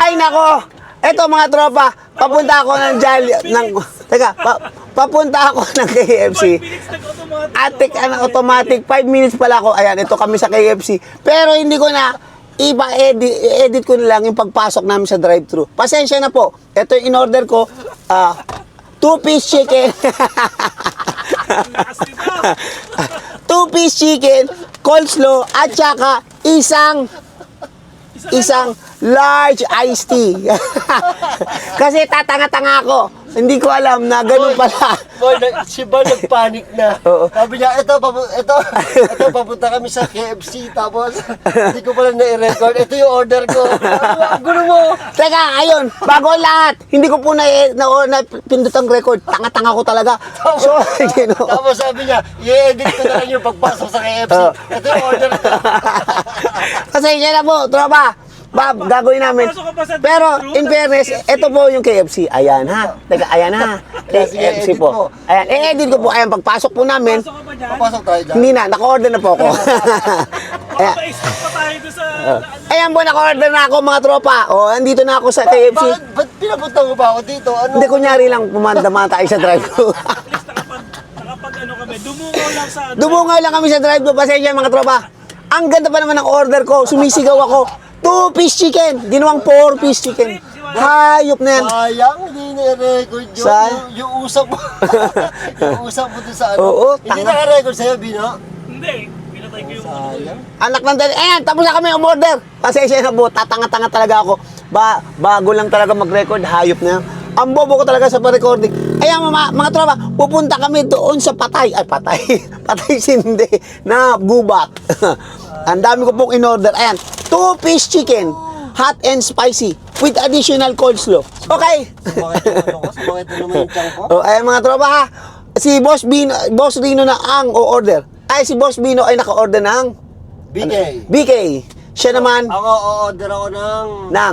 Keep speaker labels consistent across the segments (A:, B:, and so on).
A: Ay, nako. Eto mga tropa, papunta ako ng papunta ako ng KFC. Atik, automatic, 5 minutes pala ako. Ayan, ito kami sa KFC. Pero hindi ko na, edit ko na lang yung pagpasok namin sa drive-thru. Pasensya na po. Ito yung in-order ko, 2-piece chicken. 2-piece chicken, coleslaw, at saka isang large iced tea. Kasi tatanga-tanga ako. Hindi ko alam na ganun pala.
B: Boy, si Boy nagpanik na.
A: Oo.
B: Sabi niya, ito, papunta kami sa KFC. Tapos, hindi ko pala na-record. Ito yung order ko. Ang gulo mo.
A: Teka, ayun, bago lahat, hindi ko po na pindot ang record. Tanga-tanga ko talaga. So,
B: Tapos sabi niya, i-edit ko na lang yung pagpasok sa KFC. Ito yung order ko.
A: Kasi yan na po, tropa. Bob, gagawin namin. Pero, in fairness, ito po yung KFC. Ayan ha. Teka, ayan ha. KFC po. Ayan, i-edit ko po. Ayan, pagpasok po namin.
B: Papasok tayo dyan.
A: Hindi na, naka-order na po ako. Ayan. Ayan po, naka-order na ako mga tropa. O, andito na ako sa KFC.
B: Ba't pinapunta mo ba ako dito? Ano?
A: Hindi, kunyari lang pumandama tayo sa drive-thru. Dumungaw lang kami sa drive-thru. Pasensya mga tropa. Ang ganda pa naman ng order ko. Sumisigaw ako. 2-piece chicken. Ginawang 4-piece chicken. Hayop na yan.
B: Sayang, hindi na-record yun. Yung usap mo. Yung usap mo doon sa ano.
A: Oo,
B: hindi na-record sa'yo, Bino?
C: Hindi. Pinatay ko yung
B: Sayang.
A: Anak ng dali. Ayan, tapos na kami umorder. Pasensya na po. Tatanga-tanga talaga ako. Bago lang talaga mag-record. Hayop na yan. Ang bobo ko talaga sa pa-recording. Ayan mga tropa, pupunta kami doon sa patay. Ay, patay. Patay sindi na gubat. Ang dami ko pong in-order. Ayan, 2-piece chicken, hot and spicy, with additional coleslaw. Okay?
B: Sumakit na naman yung tiyan ko.
A: Oh, ayan mga tropa ha. Si Boss Rino na ang o-order. Ay, si Boss Bino ay naka-order ng
B: BK.
A: BK. Siya naman
B: Ako, o-order ako ng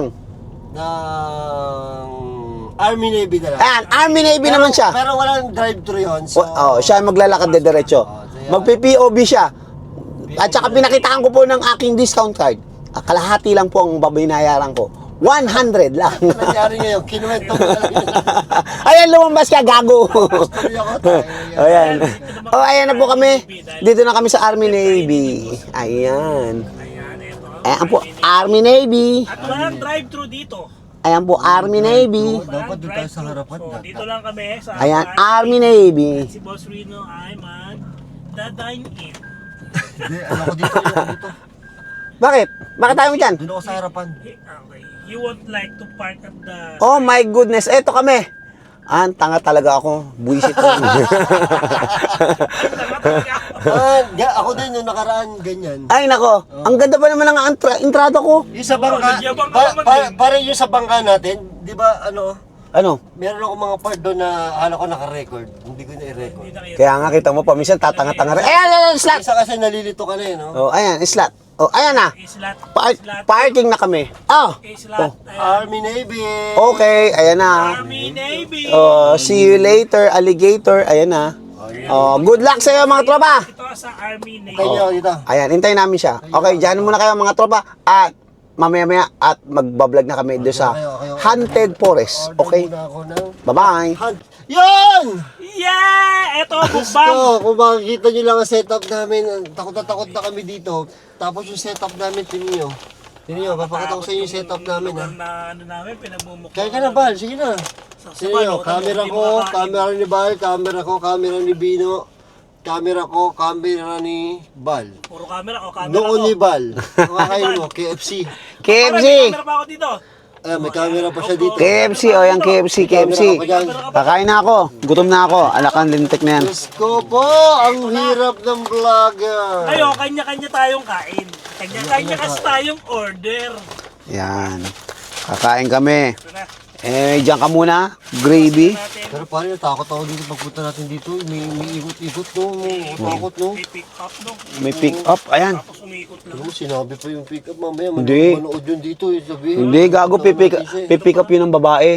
B: Army Navy na lang.
A: Ayan, Army Navy naman siya.
B: Pero walang drive-thru yun. So,
A: Siya maglalakad de diretso. Magpi-POV siya. At saka pinakitaan ko po ng aking discount card. Kalahati lang po ang babaynayaran ko. 100 lang.
B: ano nangyari ngayon? Kinuwento ko lang yun.
A: Ayan, lumabas ka, gago.
B: Story ako tayo.
A: Ayan. Ayan na po kami. Dito na kami sa Army Navy. Ayan. Ayan po, Army Navy.
C: At walang drive-thru dito.
A: Ayan po, Army Navy.
B: Dapat doon tayo sa harapan.
C: So, dito lang kami sa
A: Ayan, Army Navy.
C: Si Boss Rino ay mag-dine-in.
B: Hindi, ano ko dito,
A: Bakit? Bakit tayo mo dyan?
B: Doon ako sa harapan.
C: Okay. You won't like to park at the...
A: Oh my goodness, eto kami. Tanga talaga ako. Buisit ko.
B: Ako din yung nakaraan ganyan.
A: Ay nako, ang ganda pa naman ng entrada ko.
B: Yung sa bangka,
C: nagyabang ka naman din.
B: parang yung sa bangka natin, di ba
A: Ano?
B: meron ako mga part doon na ko naka-record. Hindi ko na-i-record.
A: Kaya nga kita mo, paminsan tatanga-tanga rin. Ayan, slot.
B: Isa kasi nalilito ka na eh, no?
A: Oh, ayan, slot. Oh, ayan na.
C: Islat.
A: Parking na kami.
C: Islat.
B: Army Navy!
A: Okay, ayan na.
C: Army Navy.
A: See you later, alligator. Ayan na. Good luck sa'yo mga tropa.
C: Ito sa Army Navy.
B: Tayo nyo dito.
A: Ayan, hintayin namin siya. Okay, dyan muna kayo mga tropa. At mamaya-maya at magbablog na kami doon sa Haunted Forest. Okay?
B: Order muna ako ng
A: Bye-bye.
B: hunt. Yan!
C: Yeah! Ito,
B: Gusto,
C: bukbang.
B: kung makikita nyo lang ang setup namin, takot na kami dito. Tapos yung setup namin, tininyo. Tininyo, papakita ko sa inyo yung setup namin, ha?
C: Na ano namin, pinagmumukha.
B: Kaya ka na, Bal, sige na. Tininyo, camera ko, camera ni Bal, camera ko, camera ni Bino, camera ko, camera ni Bal.
C: Puro camera ko, camera
B: Noon
C: ko.
B: ni Bal. Kumakain mo, KFC.
A: KFC.
C: May camera pa ako dito.
B: Ayan, may camera pa siya dito.
A: KFC, o yan KFC. Kakain na ako. Gutom na ako. Alakan lintik na yan.
B: Diyos ko po, ang hirap ng vlogger.
C: Ayo, kanya-kanya tayong kain. Kanya-kanya kasi tayong order.
A: Yan. Kakain kami.
C: Ito na.
A: Diyan ka muna. Gravy.
C: Natin.
B: Pero pare, natakot ako dito pagpunta natin dito. May ikot-ikot no. Takot no.
C: May pick up no.
A: May pick up. Ayan.
C: Tapos umikot lang.
B: Ano, sinabi pa yung pick up mamaya.
A: Hindi.
B: Manood yun dito. Sabihin.
A: Hindi, gago. Pipick up yun ng babae.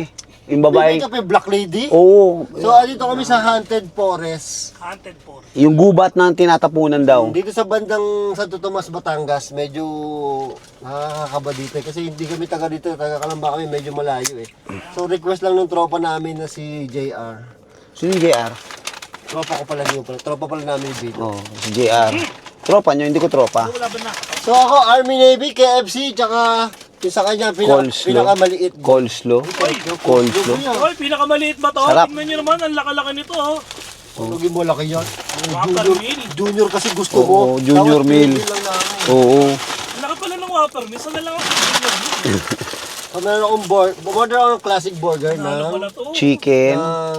A: Yung babae.
B: May kape, Black Lady?
A: Oo.
B: So, dito kami sa Haunted Forest.
C: Haunted for.
A: Yung gubat na tinatapunan daw.
B: Dito sa bandang Santo Tomas, Batangas, medyo nakakakaba dito eh. Kasi hindi kami taga dito, taga Kalamba kami, medyo malayo eh. So request lang ng tropa namin na si JR.
A: Sino yung JR?
B: Tropa ko pala niyo pala, tropa pala namin yung video.
A: Oo, si JR. Tropa nyo, hindi ko tropa.
C: Wala ba na?
B: So ako, Army Navy, KFC, tsaka yung sa kanya,
A: Coleslaw.
B: pinakamaliit.
A: Coleslaw. Coleslaw.
C: Oy, pinakamaliit ba to?
A: Sarap.
C: Tingnan nyo naman, ang laki-laki nito oh.
B: Tulogin mo, laki yan.
C: Whopper
B: Junior,
C: meal.
B: junior kasi gusto mo.
A: Oo, junior
B: Tapos
A: meal.
B: lang namin.
A: Oo.
C: Ang laki pala ng Whopper meal. Saan na lang ako tingnan?
B: So meron akong order ako ng classic burger
C: Ano
B: na
C: pala to?
A: Chicken.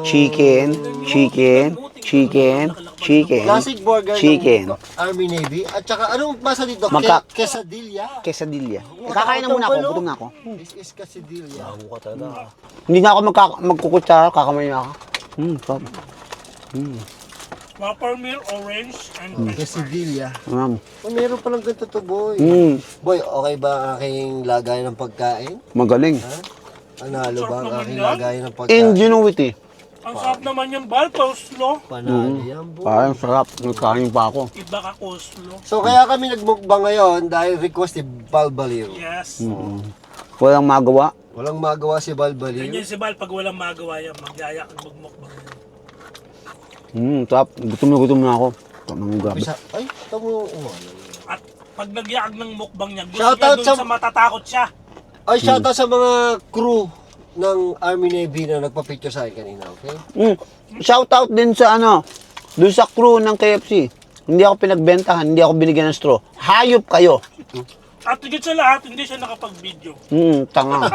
B: classic burger
A: Chicken.
B: ng Army Navy. At saka anong masa dito? Quesadilla.
A: Quesadilla. Kakain na muna ako, gutom na ako.
B: This is quesadilla.
A: Hindi na ako magkukutsara, kakamay na ako. Sarap.
C: Whopper meal, orange, and french fries.
B: Quesadilla.
A: Mm.
B: Oh, meron palang ganito to, boy. Boy, okay ba ang aking lagay ng pagkain?
A: Magaling.
B: Ha? Panalo ba ang
C: Sarap
B: aking
C: naman yan.
B: lagay ng pagkain?
A: Ingenuity.
C: Ang sarap naman yung bal, coleslaw.
B: Panalo yan, boy.
A: Parang sarap. Nagkain pa ako.
C: Iba ka coleslaw.
B: So kaya kami nagmukbang ngayon dahil request ni Balbaliw.
C: Yes.
A: Walang magawa.
B: Walang magawa si Balbaliw.
C: Ganyan si Bal, pag walang magawa yan, magyaya at magmukbang.
A: Sarap. Gutom na ako. Tamang grabe.
B: Ay, tamo.
C: At pag nagyakag ng mukbang niya, gusto
B: Shoutout
C: niya dun
B: sa-
C: sa matatakot siya.
B: Ay, shoutout sa mga crew ng Army Navy na nagpa-picture sa akin kanina, okay?
A: Shoutout din sa dun sa crew ng KFC. Hindi ako pinagbentahan, hindi ako binigyan ng straw. Hayop kayo.
C: At higit sa lahat, hindi siya nakapag-video.
A: Tanga.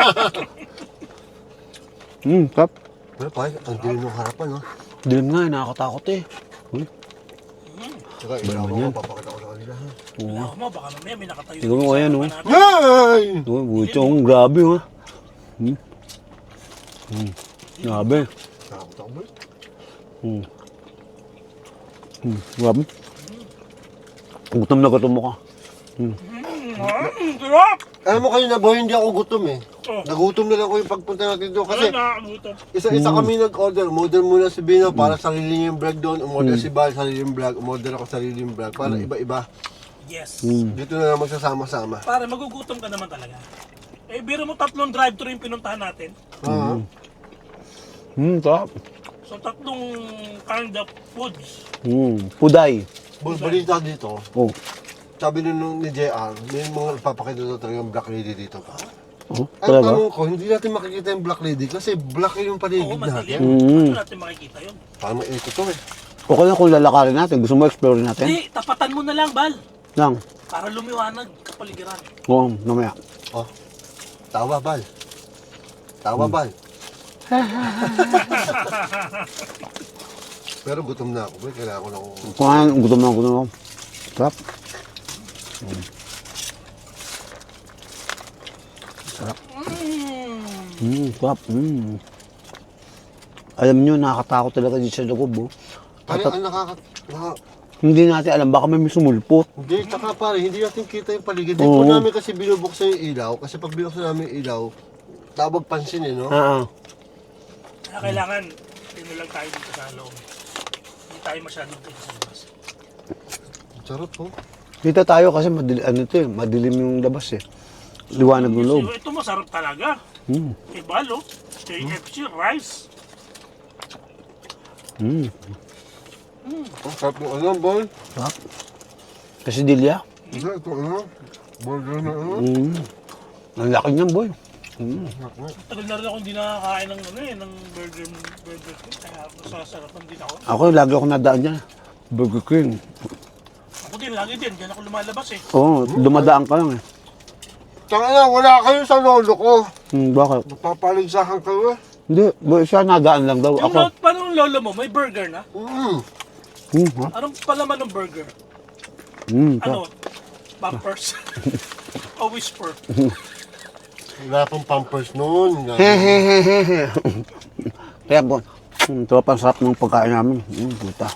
A: Sarap.
B: Well, pa, ang dilim ng harapan, no?
A: Dilim nga, nakakatakot eh. Uy,
B: Tsaka, ilaw ko, papakita ko sa kanila, ha?
C: Wala mo, baka mamaya may nakatayo.
A: Tingnan mo, ayan, oh.
C: natin.
B: Yay!
A: uy, buto akong grabe ha. Grabe.
B: Takot ako, boy.
A: Grabe. Gutom na gutom mo ka.
C: Sarap!
B: Alam mo kayo na, boy, hindi ako gutom eh.
C: Oh.
B: Nagutom na lang ko yung pagpunta natin doon kasi
C: Kasi nakakabuto.
B: isa-isa kami nag-order. Umorder muna si Bino para sarili niya yung vlog doon. Umorder si Bal, sarili yung vlog. Umorder ako sarili yung vlog. Para iba-iba.
C: Yes.
B: Dito na lang magsasama-sama.
C: Pare, magugutom ka naman talaga. Eh, biro mo 3 drive-thru yung pinuntahan natin.
A: Sarap.
C: So, 3 kind of foods.
A: Puday.
B: Boy, balita dito.
A: Oh.
B: Sabi nun ni JR, may mga nagpapakita doon talaga yung Black Lady dito.
A: Oh,
B: Ang
A: talaga?
B: tanong ko, hindi natin makikita yung Black Lady kasi black yung
C: Oo,
B: paligid
C: madilim.
B: natin.
C: Paano natin makikita yun?
B: Parang may echo to eh.
A: Okay na kung lalakarin natin. Gusto mo explore natin?
C: Hindi, tapatan mo na lang, Bal.
A: Lang.
C: Para lumiwanag kapaligiran.
A: Oo, mamaya.
B: Oh, tawa Bal. Tawa Bal. Pero gutom na ako, boy. Kailangan ko na ako.
A: Kumain, gutom na ako. Sarap. Sarap. Alam nyo, nakakatakot talaga dito sa loob. Oh.
B: Ang
A: Hindi natin alam, baka may sumulpot.
B: Hindi, tsaka pare, hindi natin kita yung paligid. Hindi po namin kasi binubuksan yung ilaw. Kasi pag binuksan namin yung ilaw, tawag pansin eh, no?
C: Kaya kailangan, lang tayo dito sa loob. Hindi tayo masyadong dito sa labas.
B: Charot po.
A: Dito tayo kasi madilim yung labas eh. Liwanag ng loob.
C: Ito masarap talaga. Iba, lo. KFC, rice.
B: Ang sarap ng ano, boy.
A: Sarap. Quesadilla.
B: Ito, ano? Burger na ano?
A: Ang laki niyan, boy.
C: Tagal na rin ako hindi nakakain ng ng burger. Kaya masasarapan din ako.
A: Ako, lagi ako nadaan dyan. Burger King.
C: Ako din, lagi din. Diyan ako lumalabas eh.
A: Oo, dumadaan ka lang eh.
B: Tsaka na, wala kayo sa lolo ko.
A: Bakit?
B: Napapaligsahan kayo eh.
A: Hindi, boy, siya nadaan lang daw.
C: Yung
A: Ako.
C: paano yung lolo mo, may burger na?
A: Ha?
C: Anong palaman ng burger? Ano? Pampers? O whisper?
B: Wala pang pampers noon.
A: Hehehehe. Kaya po, ito pa sarap ng pagkain namin. Puta.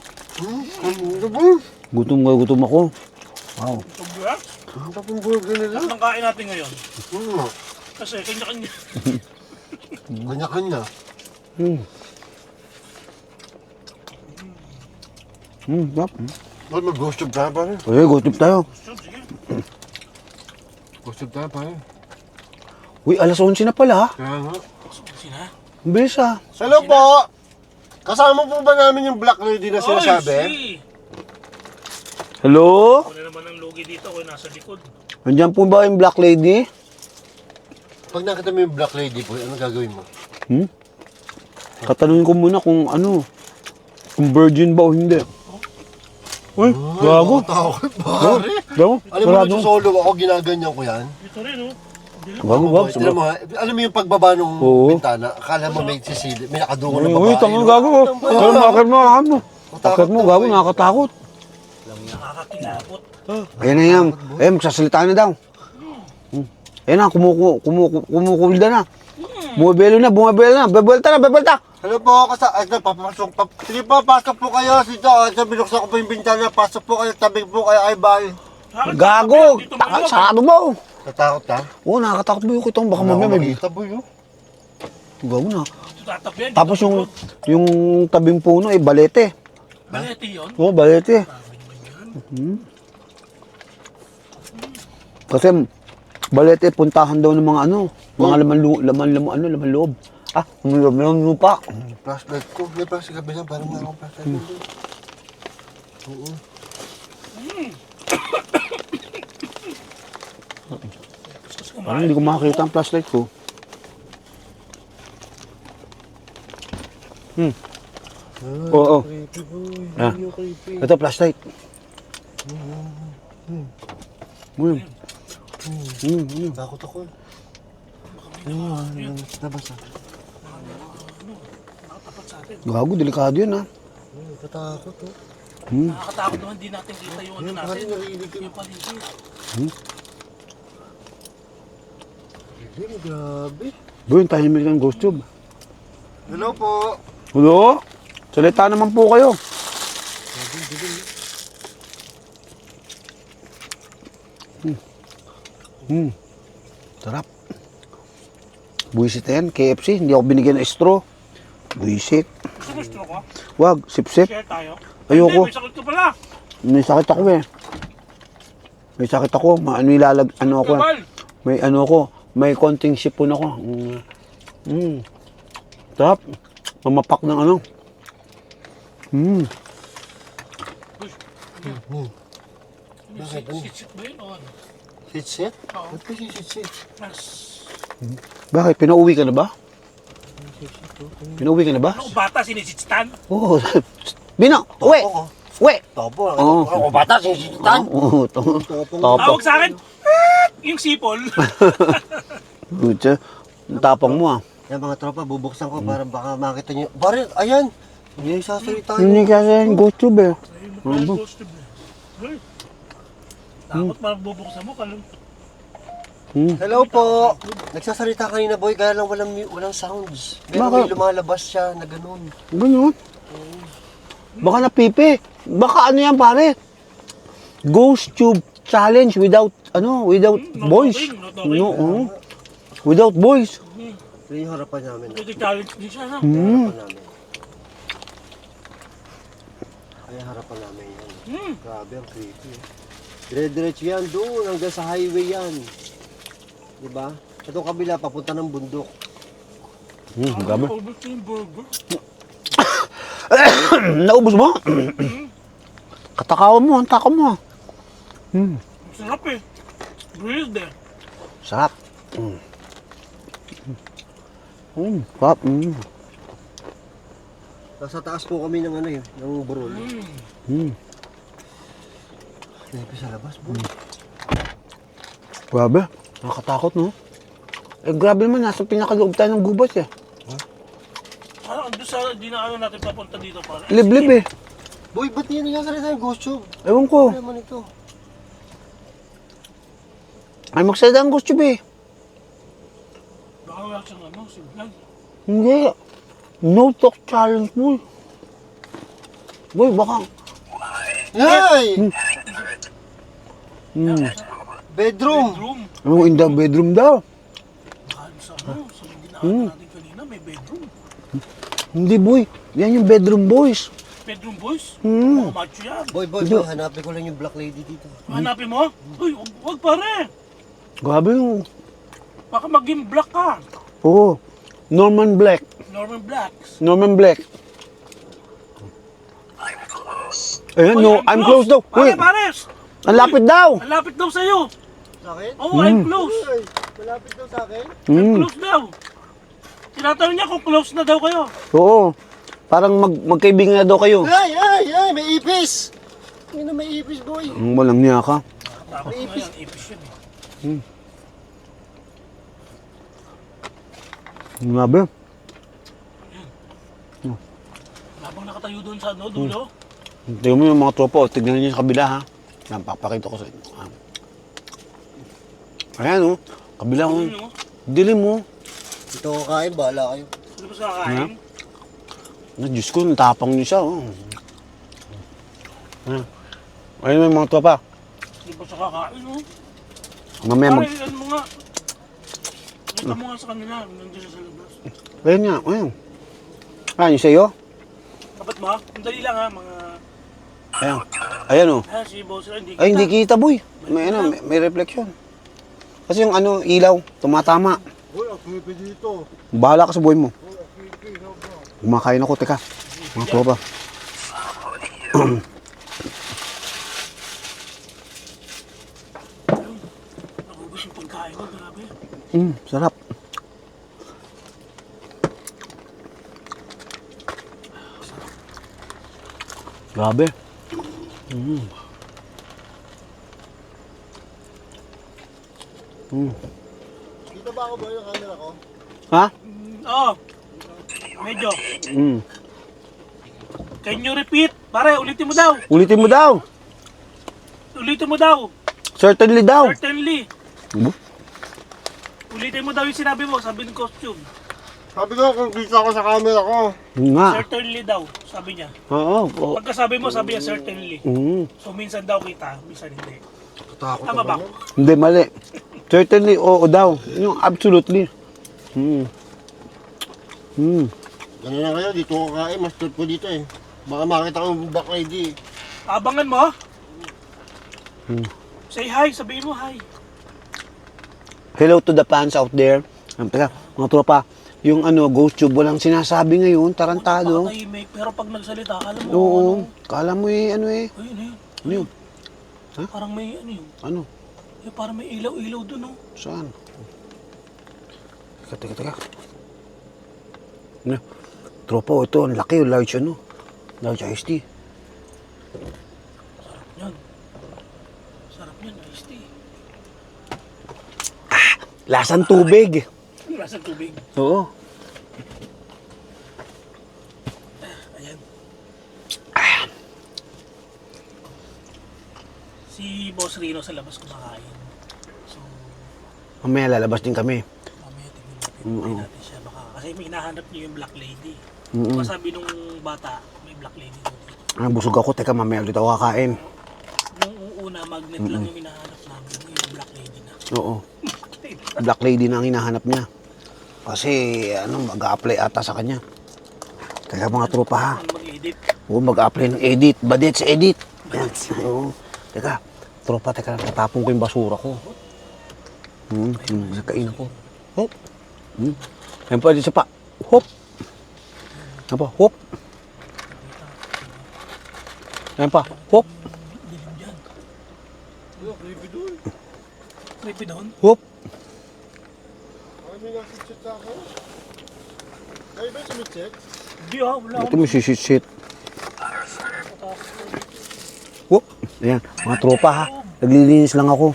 A: Gutom ako. Wow.
C: Congrats!
B: Ang tapong burger nila.
C: Lahat ng kain natin ngayon.
B: Hmm.
C: Kasi kanya-kanya.
B: Kanya-kanya.
A: Sarap.
B: Boy, mag-ghost tube tayo pare.
A: Uy, gutom tayo.
C: Gusto, sige.
B: Ghost tube tayo pare.
A: Uy, alas 11 na pala ha.
B: Kaya nga.
C: Gusto ko sina.
A: Ang bilis ha.
B: Hello po! Kasama po ba namin yung black lady na sinasabi?
C: Oy,
A: Hello?
C: Ako na naman ang lugi dito, ako nasa likod.
A: Nandiyan po ba yung black lady?
B: Pag nakita mo yung black lady po, ano gagawin mo?
A: Katanungin ko muna kung ano, kung virgin ba o hindi. Uy, gago.
B: Takot pare.
A: Gago,
B: Alam mo,
A: sarado.
B: solo ako, ginaganyan ko yan.
C: Ito rin, oh.
A: Gago, gago.
B: Tignan mo ha, alam mo yung pagbaba ng
A: Oo.
B: bintana, akala mo may sisili, may nakadungo na
A: Uy,
B: babae.
A: uy, tangang
B: no?
A: gago. Pero makakit mo, ano? Makakit mo, gago, nakakatakot.
C: Nakakakilabot.
A: Ayan na yan. Ayan, magsasalita na daw. Ayan na, kumukulda na. Bumabelo na, bebelta na, bebelta.
B: Hello po, papasok. Sige po, pasok po kayo. Dito, binuksan ko po yung bintana, pasok po kayo, tabi po kayo, ay bye.
A: Gago,
C: Dito maluwag.
A: sarado mo.
B: Natakot ka?
A: Oo, nakakatakot mo yung kitong, baka mamaya may...
B: Makita boy, oh.
A: Gago na.
C: Dito tatabihan.
A: Tapos yung tabing puno, balete.
C: Balete yun.
A: Oo, balete. Kasi balete, puntahan daw ng mga ano, mga laman loob. Ah, laman lupa.
B: Flashlight ko. May flashlight ka bilang, parang meron akong flashlight ko. Oo.
A: Parang hindi ko makakita ang flashlight ko. Oo.
B: Creepy boy.
A: Ah.
B: Yung creepy.
A: Ito, flashlight.
B: Takot ako. Nabasa.
C: Nakatapat sa atin.
A: Gago, delikado yun ha.
B: Katakot oh.
C: Nakakatakot naman, di natin kita yung ano natin.
B: Parang narinig ko.
C: Yung paligid.
B: Grabe.
A: Boy, yung tahimik ng ghost tube.
B: Hello po.
A: Hello? Salita naman po kayo. Sarap. Buisit na yan, KFC. Hindi ako binigyan ng straw. Buisit.
C: Gusto mo straw ko?
A: Wag, sip-sip.
C: Share tayo.
A: Ayoko.
C: Hindi, may sakit ko pala.
A: May sakit ako eh. May sakit ako. Ano ako eh.
C: Kabal.
A: May ano ako. May konting sipon ako. Sarap. Mamapak ng ano.
C: Sit ba yun o ano?
B: Sit-sit?
C: Oo.
B: Ba't kasi sit-sit?
C: Mas...
A: Bakit? Pinauwi ka na ba? Pinauwi ka na ba?
C: Ano ko bata, sinisitsitan?
A: Oo. Bino, uwi!
B: Topo ko.
A: Uwi!
B: Topo.
A: Oo.
B: Ako bata, sisitan.
A: Oo. Topo.
C: Tawag sa akin, yung sipol.
A: Butya. Ang tapang mo ah.
B: Yan mga tropa, bubuksan ko para baka makita nyo. Baril, ayan! Hindi nagsasalita
A: Hindi kasi yung ghost tube eh.
C: Takot magbubuksan mo, kalong.
B: Hello po! Nagsasalita kanina boy, kaya lang walang sounds. Pero may
A: Bakit?
B: lumalabas siya na ganun.
A: Ganyan. Baka napipi. Baka ano yan pare? Ghost tube challenge without voice.
C: talking, no talking.
A: No, without voice.
B: Ito yung harapan namin.
C: Pwede challenge din siya, no?
B: Harapan namin. Ay, harapan namin yan. Grabe, ang creepy. Dire-diretso yan doon, hanggang sa highway yan. Diba? Itong kabila, papunta ng bundok.
A: Gabi.
C: Ubus ko yung burger.
A: Naubos mo? Katakawan mo, ang takaw mo.
C: Sarap eh. Grilled eh.
A: Sarap. Sarap.
B: Nasa taas po kami ng ano yun, ng burol. Creepy sa labas, boy.
A: Grabe. Nakakatakot, no? Eh, grabe naman. Nasa pinakaloob tayo ng gubat, eh.
C: Parang doon sa dinaanan natin papunta dito para.
A: Liblib, eh.
B: Boy, ba't yan nagsasalita yung ghost tube?
A: Ewan ko.
B: Ano naman ito?
A: Ay, magsalita ang ghost tube, eh.
C: Baka wala siyang ano, signal.
A: Hindi. No talk challenge, boy. Boy, baka...
B: Yay! Bedroom!
C: Bedroom.
A: Oh, in the bedroom daw.
C: Baka sa ano, sa dinaanan natin kanina, may bedroom.
A: Hindi, boy. Yan yung bedroom boys.
C: Bedroom boys?
A: Hmm.
C: Mga macho yan.
B: Boy, hanapin ko lang yung black lady dito.
C: Hanapin mo? Uy, wag pare.
A: Grabe yung...
C: Baka maging black ka.
A: Oo. Norman Black.
C: Norman Blacks.
A: Norman Black. Ayan,
C: Uy,
A: no. I'm close daw. Uy,
C: Pares!
A: ang lapit daw.
C: Ang lapit daw sa'yo.
B: Sa akin?
C: Oo, I'm close.
B: Ay, malapit daw sa akin.
C: I'm
A: Hmm.
C: close daw. Tinatanong niya kung close na daw kayo.
A: Oo. Parang magkaibigan na daw kayo.
B: Ay, may ipis! May ipis, boy.
A: Walang niya ka.
C: Tapos nga yan, ipis yun eh.
A: Grabe.
C: Habang nakatayo doon sa dulo.
A: Tingnan mo yung mga tropa. Tignan niyo sa kabila, ha. Yan, papakita ko sa inyo. Ayan, oh. Kabila, oh.
C: Ano?
A: Dilim, oh.
B: Ito ko kain, bahala kayo.
C: Ano ba sa kakain?
A: Diyos ko, natapang niyo siya, oh. Ayan. Ayun yung mga tropa.
C: Ano ba sa kakain, oh?
A: Mamaya
C: Pare, ano mo nga? Ito mo nga sa kanila, nandiyan sa labas.
A: Ayun nga, ayun. Ayan, yung sa'yo?
C: Dapat mo? Ang dali lang ha, mga...
A: Ayan. Ayan, oh.
C: Si boss, hindi kita.
A: Ay, hindi kita, boy. May reflection. Kasi yung ano, ilaw, tumatama.
B: Boy, ang creepy dito.
A: Bahala ka sa buhay mo. Kumakain ako, teka. Mga tropa.
C: Nakubos yung pagkain ko, grabe.
A: Sarap. Grabe.
B: Dito ba ako, boy, yung camera ko?
A: Ha?
C: Oo. Medyo.
A: Mm.
C: Can you repeat? Pare, ulitin mo daw.
A: Ulitin mo daw.
C: Ulitin mo daw.
A: Certainly daw.
C: Certainly.
A: Ano?
C: Ulitin mo daw yung sinabi mo, sabi ng costume.
B: Sabi ko, kung dito ako sa camera ko.
A: Yun nga.
C: Certainly daw, sabi niya.
A: Oo. Oo.
C: Pagkasabi mo, sabi niya certainly.
A: Mm.
C: So minsan daw kita, minsan hindi.
B: Takot
C: Tama ba?
A: Hindi, mali. Certainly, oo daw. Yung absolutely.
B: Ano na kayo, dito ko kain, mas trip ko dito eh. Baka makita ko yung black lady.
C: Abangan mo. Say hi, sabihin mo hi.
A: Hello to the fans out there. Teka, mga tropa, yung ano, ghost tube, walang sinasabi ngayon, tarantado.
C: Pakatahimik, pero pag nagsalita, alam mo,
A: Oo,
C: ano,
A: kala mo eh, ano eh.
C: ayun, ayun.
A: Ano yun?
C: Parang may, ano yun,
A: Ano?
C: parang may ilaw-ilaw dun, oh.
A: Saan? Teka. Ano? Tropa, ito, ang laki, large ano. Large iced tea.
C: Yan. Sarap yan, iced tea.
A: Lasang tubig.
C: Lasang tubig.
A: Oo.
C: Ayan. Si Boss Rino sa labas kumakain. So,
A: Mamaya lalabas din kami.
C: mamaya tingnan natin siya. Baka, kasi may hinahanap niyo yung Black Lady. Baka sabi nung bata, may Black Lady doon.
A: Busog ako, teka, mamaya ulit ako kakain.
C: Nung una, magnet lang yung hinahanap namin. Yung Black Lady na.
A: Oo. Black lady na ang hinahanap niya. Kasi, ano, mag-a-apply ata sa kanya. Kaya mga tropa ha.
C: Ano mag-edit?
A: Oo, mag-a-apply ng edit. Badets, edit. Yan. Oo. Teka, tropa, teka, natapon ko yung basura ko. Nagkain ako. Hop. Ayun pa, dito pa. Hop. Ayun pa, hop. Ayun pa, hop.
C: Dilim dyan. Creepy doon?
A: Hop.
B: Ay, may nasa-chat sa akin. Ay, ba yung sumit-check?
C: Hindi ah, wala
A: Ito
C: akong
A: may shit. Hop. Ayan, mga tropa ha. Naglilinis lang ako.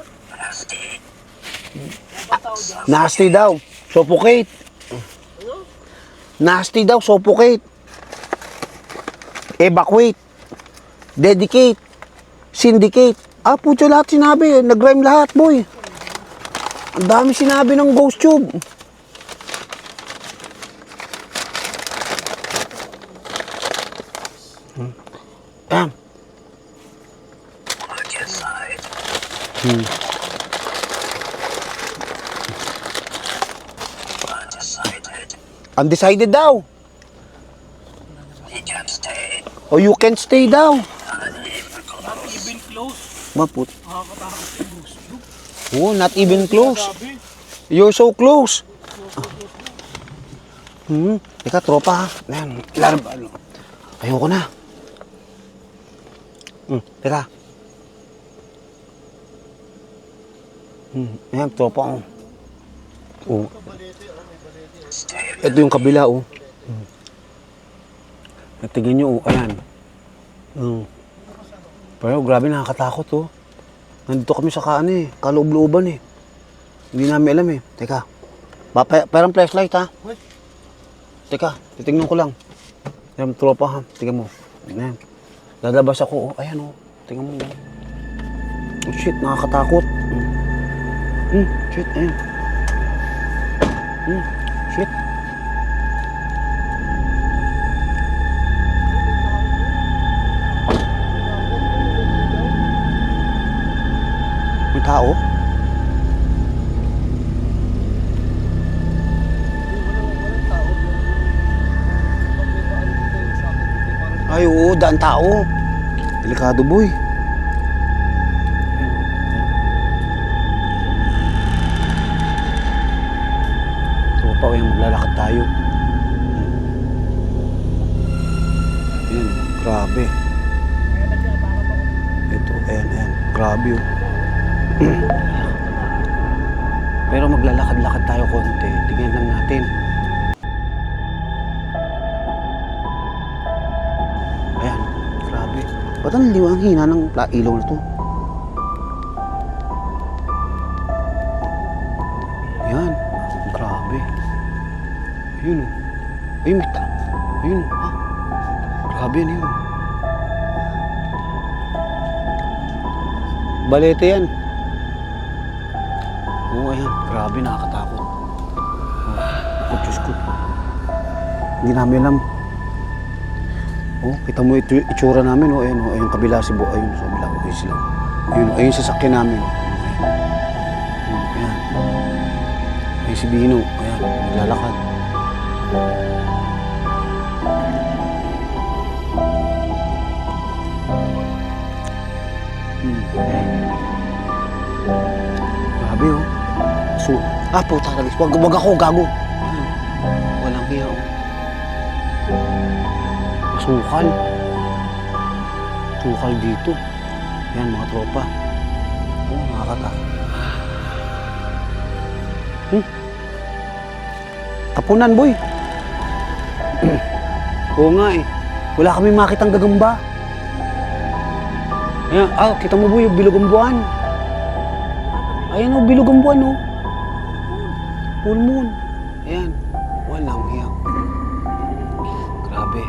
A: Nasty daw. Suffocate. Nasty daw, suffocate. Evacuate. Dedicate. Syndicate. Putyo lahat sinabi. Nag-rhyme lahat, boy. Ang dami sinabi ng ghost tube. Bam. Undecided daw. Oh, you can stay daw.
C: Not even close.
A: Maput.
C: Nakakatakot yung gusto.
A: Oh, not even close.
C: Sabi.
A: You're so close. Teka, tropa ha. Ayan, ayoko na. Teka. Ayan, tropa oh. Oh. Ito yung kabila oh. Tingnan nyo oh, ayan. Pero grabe nakakatakot oh. Nandito kami sa kaloob-looban eh. Hindi namin alam eh. Teka. Parang flashlight ha. Teka, titignan ko lang. Ayan, tropa ha. Tingnan mo. Ayan. Lalabas ako oh. Ayan oh. Tingnan mo oh. Oh shit, nakakatakot. Shit, ayan. Shit. May tao? Ay, oo, daan tao. Delikado, boy. Tropa, kaya maglalakad tayo. Ayan, grabe. Ito, ayan. Grabe, oh. Pero maglalakad-lakad tayo konti. Tingnan lang natin. Ayan, grabe. Ba't ang liwang hina ng ilaw na to? Ayan, grabe. Ayun o. Ayun, may ayun o. Ah, grabe yan yun. Balete yan. Oo, ayan. Grabe, nakakatakot. Oh, Diyos ko. Hindi namin alam. Oh, kita mo itsura namin, oh. Ayan, oh. Ayun, kabila si Bo. Ayun, sa kabila. Okay sila. Ayun, sasakyan namin. Ayan. Ayun, si Bino. Ayan, naglalakad. Grabe, oh. So, puta na. Wag ako, gago. Walang hiya, oh. Masukal. Sukal dito. Yan, mga tropa. Oh, nakakatakot. Tapunan, boy. Oo nga, eh. Wala kami makitang gagamba. Ayan, kita mo, boy, yung bilog ang buwan. Ayan, oh, bilog ang buwan, oh. Full moon. Ayan. Walang hiya. Grabe.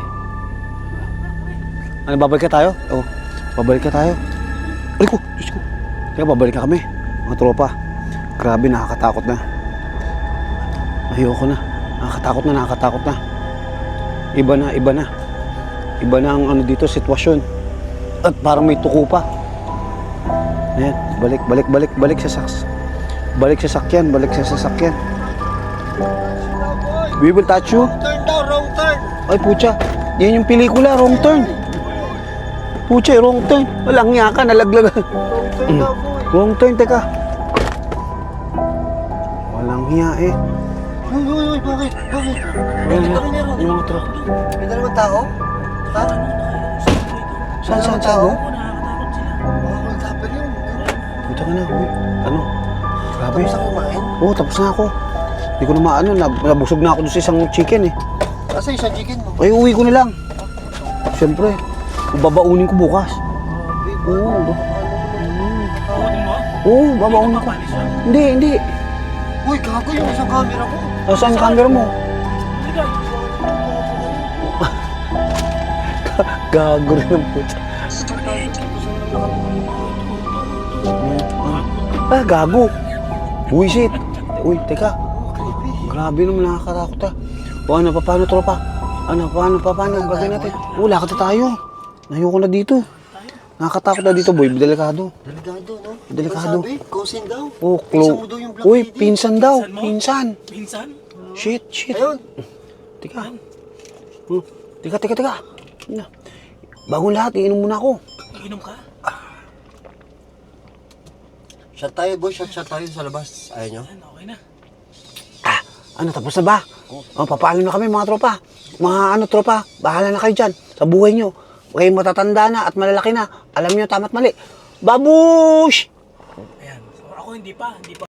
A: Ano, babalik ka tayo? Oo. Babalik ka tayo. Ay ko, Diyos ko. Kaya babalik ka kami. Mga tropa. Grabe, nakakatakot na. Ayoko na. Nakakatakot na. Iba na. Iba na ang ano dito, sitwasyon. At parang may tuko pa. Ayan, balik sa sakyan. We will touch you.
B: Wrong turn.
A: Ay, pucha. Yan yung pelikula, wrong turn. Pucha, wrong turn. Walang nga ka, nalaglag. Wrong turn, teka. Walang hiya eh.
B: Uy, bakit?
A: Yung mga tropa.
B: May dalawang tao? Ha?
A: Saan
B: tao?
A: mo?
C: Nakakatakot sila.
B: Hold up yun.
A: Punta ka na, uy. Ano? Grabe.
B: Tapos na kumain?
A: Oo, tapos na ako. Hindi ko na maano, nabusog na ako doon sa isang chicken eh.
B: Kasi isang chicken mo.
A: Ay, uwi ko na lang. Siyempre, babaunin ko bukas. Oo.
C: Takutin mo?
A: Oo, babaunin ko.
C: Papalis yan.
A: Hindi.
B: Uy, gago yung isang camera ko.
A: Saan yung camera mo?
C: Hindi ka.
A: Gago rin ang puta. Gago. Uy, shit. Uy, teka. Grabe naman, nakakatakot ah. O ano, paano tropa? Paano gagawin natin? Lakad na tayo. Ayoko na dito. Nakakatakot na dito, boy. Delikado.
B: Delikado, no?
A: Delikado.
B: Ano sabi? Cousin daw.
A: Oh,
B: Pinsan mo daw yung black
A: Uy,
B: lady.
A: pinsan daw.
C: Pinsan mo?
A: Pinsan.
C: Minsan?
A: Shit.
B: Ayun.
A: Teka. Teka. Bago lahat, iinom muna ako.
C: Iinom ka?
B: Shot tayo, boy. Shot tayo sa labas. Ayaw nyo?
C: Yan, okay na.
A: Ano, tapos na ba? Papaalam na kami mga tropa. Mga tropa, bahala na kayo dyan sa buhay nyo. Kayo matatanda na at malalaki na. Alam nyo tama't mali. Babush!
C: Ayan. So, ako hindi pa